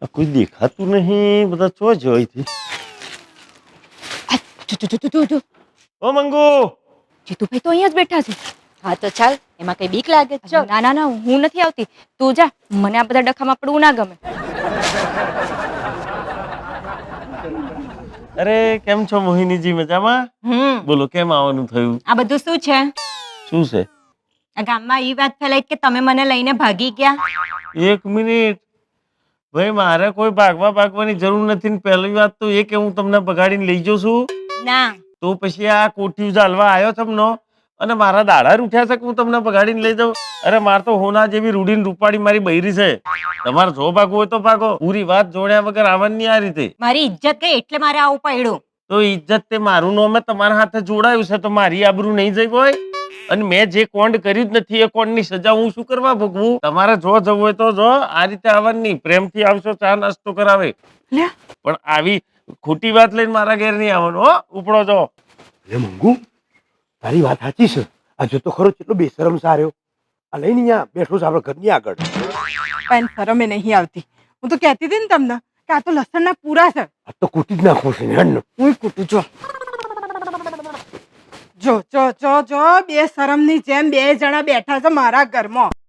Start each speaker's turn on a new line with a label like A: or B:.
A: કોઈ દેખાતું નહીં, બધા ચો જોઈથી.
B: જો
A: ઓ મંગુ,
B: જીતુભાઈ તો અહીંયા જ બેઠા છે.
C: હા તો ચાલ, એમાં કઈ બીક લાગે છે?
B: ના ના ના, હું નથી આવતી. તું જા, મને આ બધા ડખામાં પડવું ના ગમે.
A: અરે કેમ છો મોહિનીજી, મજામાં? બોલો કેમ આવવાનું થયું?
B: આ બધું શું છે?
A: શું છે?
B: આ ગામમાં ઈ વાત ફેલાઈ કે તમે મને લઈને ભાગી ગયા.
A: એક મિનિટ ભાઈ, મારે કોઈ ભાગવાની જરૂર નથી ને પહેલી વાત તો એ કે હું તમને બગાડીને લઈ જાઉં છું.
B: ના,
A: તો પછી આ કોઠી ચાલવા આવ્યો તમનો અને મારા દાડા ઉઠ્યા છે કે હું તમને બગાડીને લઈ જાઉં? અરે માર તો હોના જેવી રૂડીને રૂપાડી મારી બૈરી છે. તમારે જો ભાગવું હોય તો ભાગો, પૂરી વાત જોડ્યા વગર આવવાની આ રીતે.
B: મારી ઇજ્જત ગઈ એટલે મારે આવું પડ્યું.
A: તો ઇજ્જત તે મારું નામે તમારા હાથે જોડાયું છે તો મારી આબરૂ નહીં જઈ હોય? અને મેં જે કોંડ કર્યું જ નથી એ કોંડની સજા હું શું કરવા ભોગવું? તમારે જો જવું હોય તો જો, આ રીતે આવવાની. પ્રેમથી આવશો, ચા નાસ્તો કરાવે, પણ આવી ખોટી વાત લઈને મારા ઘેર નહીં આવવાનું હો. ઉપડો જો.
D: લે મંગુ, તારી વાત સાચી છે. આ જો તો ખરો કેટલો બેશરમ સાર્યો. આ લઈને અહીંયા બેઠો છે આપણા ઘરની આગળ.
E: પણ શરમે નહીં આવતી. હું તો કહેતી હતી ને તમને કે આ તો લસણના પૂરા છે.
D: આ તો કૂટી જ નાખો છે ને.
E: હું કૂટું જો. જો જો જો જો, બે શરમની જેમ બે જણા બેઠા છે મારા ઘરમાં.